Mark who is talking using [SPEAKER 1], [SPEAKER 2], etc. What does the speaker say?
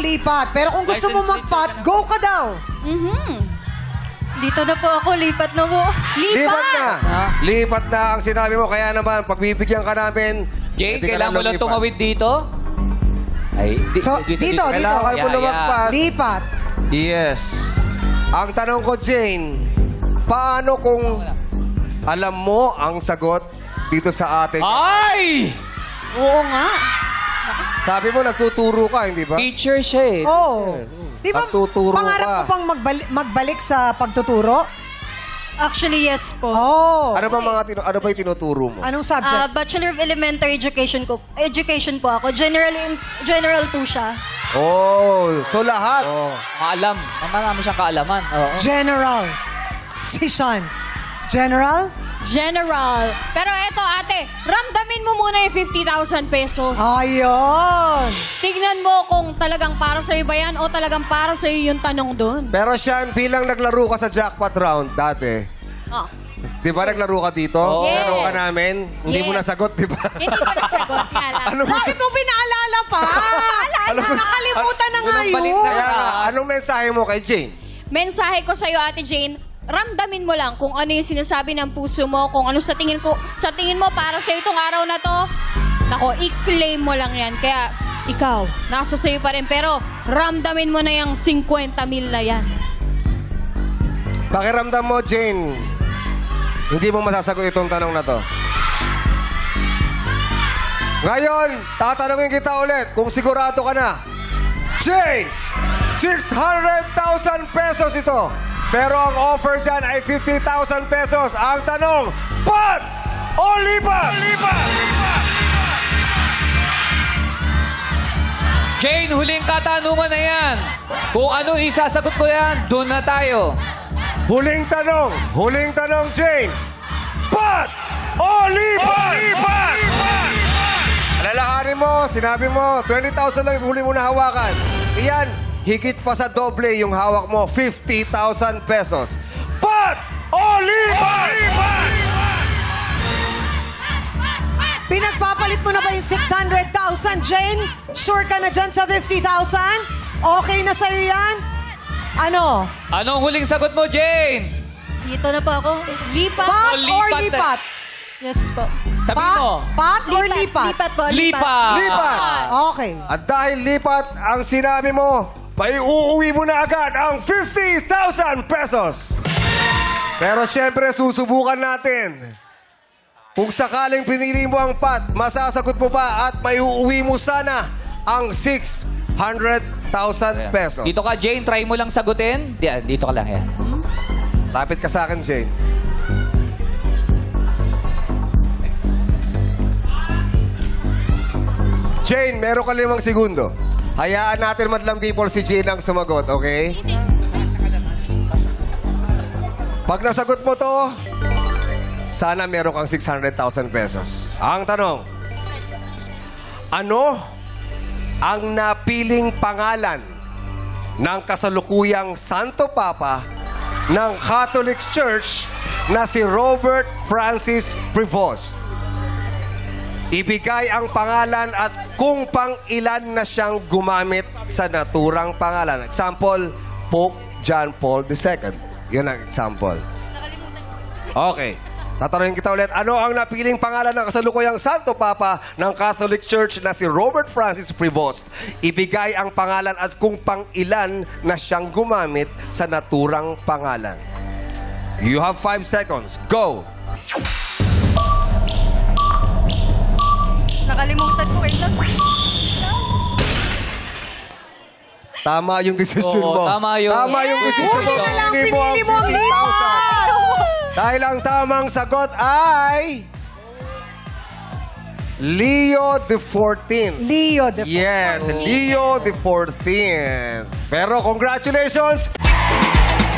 [SPEAKER 1] lipat. Pero kung gusto mo mag-pot, go ka daw.
[SPEAKER 2] Dito na po ako, lipat na po.
[SPEAKER 3] Lipat na. Lipat na ang sinabi mo. Kaya naman, pagbibigyan ka namin...
[SPEAKER 4] Jane,
[SPEAKER 3] pwede ka
[SPEAKER 4] kailangan mo lang
[SPEAKER 3] lumipat.
[SPEAKER 4] tumawid dito? Ay,
[SPEAKER 1] So, dito.
[SPEAKER 3] Kailangan mo lumagpas.
[SPEAKER 1] Lipat.
[SPEAKER 3] Yes. Ang tanong ko, Jane, paano kung alam mo ang sagot dito sa ating...
[SPEAKER 4] Ay!
[SPEAKER 2] Oo nga.
[SPEAKER 3] Sabi mo, nagtuturo ka, hindi ba?
[SPEAKER 4] Teacher siya eh.
[SPEAKER 1] Oh. Di ba,
[SPEAKER 3] Pagtuturo
[SPEAKER 1] pangarap
[SPEAKER 3] ka.
[SPEAKER 1] mo pang magbalik sa pagtuturo?
[SPEAKER 2] Actually, yes po.
[SPEAKER 1] Oh.
[SPEAKER 3] Ano ba ano ba yung tinuturo mo?
[SPEAKER 1] Anong subject?
[SPEAKER 2] Bachelor of Elementary Education po ako. General po siya.
[SPEAKER 3] Oh, so lahat.
[SPEAKER 4] Oh, maalam. Marami siyang kaalaman. Oo.
[SPEAKER 1] General. Si Sean. General?
[SPEAKER 5] General. Pero eto ate, ramdamin mo muna yung 50,000 pesos.
[SPEAKER 1] Ayun.
[SPEAKER 5] Tignan mo kung talagang para sa'yo ba yan o talagang para sa'yo yung tanong doon.
[SPEAKER 3] Pero Sean, bilang naglaro ka sa jackpot round dati,
[SPEAKER 5] Oh.
[SPEAKER 3] di ba naglaro ka dito?
[SPEAKER 4] Oo.
[SPEAKER 5] Yes.
[SPEAKER 3] Laro ka namin? Hindi mo
[SPEAKER 5] Yes.
[SPEAKER 3] nasagot, di ba?
[SPEAKER 5] Hindi ko nasagot nga lang.
[SPEAKER 3] Ano ba?
[SPEAKER 1] Bakit mo pinaalala pa?
[SPEAKER 3] Alam ko-
[SPEAKER 1] Nakalimutan na nga
[SPEAKER 4] Walang balik
[SPEAKER 1] yun.
[SPEAKER 4] na.
[SPEAKER 3] Kaya nga, anong mensahe mo kay Jane?
[SPEAKER 5] Mensahe ko sa'yo, Ate Jane, ramdamin mo lang kung ano yung sinasabi ng puso mo, kung ano sa tingin mo para sa itong araw na to. Nako, i-claim mo lang yan. Kaya ikaw, nasa sa'yo pa rin. Pero ramdamin mo na yung 50,000 na yan.
[SPEAKER 3] Pakiramdam mo, Jane, hindi mo masasagot itong tanong na to. Ngayon, tatanungin kita ulit kung sigurado ka na. Jane, 600,000 pesos ito. Pero ang offer dyan ay 50,000 pesos. Ang tanong, pot o lipat?
[SPEAKER 4] Jane, huling katanungan na yan. Kung ano isasagot ko yan, doon na tayo.
[SPEAKER 3] Huling tanong, Jane. Pot o lipat? Alalahanin mo, sinabi mo, 20,000 lang yung huli mo na hawakan. Iyan, higit pa sa doble yung hawak mo, 50,000 pesos. Pot o lipat?
[SPEAKER 1] Pinagpapalit mo na ba yung 600,000, Jane? Sure ka na dyan sa 50,000? Okay na sa'yo yan? Ano?
[SPEAKER 4] Anong huling sagot mo, Jane?
[SPEAKER 2] Dito na po ako.
[SPEAKER 5] Lipat.
[SPEAKER 1] Pot
[SPEAKER 4] O
[SPEAKER 1] or
[SPEAKER 4] lipat?
[SPEAKER 1] lipat?
[SPEAKER 2] Yes po.
[SPEAKER 4] Sabi mo.
[SPEAKER 1] Pot or lipat?
[SPEAKER 2] Lipat po,
[SPEAKER 4] Lipat.
[SPEAKER 3] Lipat!
[SPEAKER 1] Okay.
[SPEAKER 3] At dahil lipat ang sinabi mo, uuwi mo na agad ang 50,000 pesos. Pero siyempre, susubukan natin. Kung sakaling pinili mo ang pot, masasagot mo ba at may uuwi mo sana ang 600,000 pesos.
[SPEAKER 4] Dito ka, Jane. Try mo lang sagutin. Dito ka lang yan.
[SPEAKER 3] Lapit ka sa akin, Jane. Jane, meron ka 5 segundo. Hayaan natin madlang people si Jane ang sumagot, okay? Pag nasagot mo to, sana meron kang 600,000 pesos. Ang tanong, ano ang napiling pangalan ng kasalukuyang Santo Papa ng Catholic Church na si Robert Francis Prevost? Ibigay ang pangalan at kung pang-ilan na siyang gumamit sa naturang pangalan. Example, Pope John Paul II. Yun ang example. Okay. Tatanungin kita ulit, ano ang napiling pangalan ng kasalukuyang Santo Papa ng Catholic Church na si Robert Francis Prevost? Ibigay ang pangalan at kung pang-ilan na siyang gumamit sa naturang pangalan. You have 5 seconds. Go!
[SPEAKER 2] Nakalimutan ko. Wait lang.
[SPEAKER 3] Tama yung decision
[SPEAKER 4] Oo,
[SPEAKER 3] mo.
[SPEAKER 4] tama yun.
[SPEAKER 3] Tama yung decision mo.
[SPEAKER 1] Huli na lang,
[SPEAKER 3] Pinili
[SPEAKER 1] pinili mo ang
[SPEAKER 3] 50,000.
[SPEAKER 1] lipat!
[SPEAKER 3] Dahil ang tamang sagot ay... Leo the 14th.
[SPEAKER 1] Leo, the
[SPEAKER 3] Yes, Leo the 14th. Pero congratulations!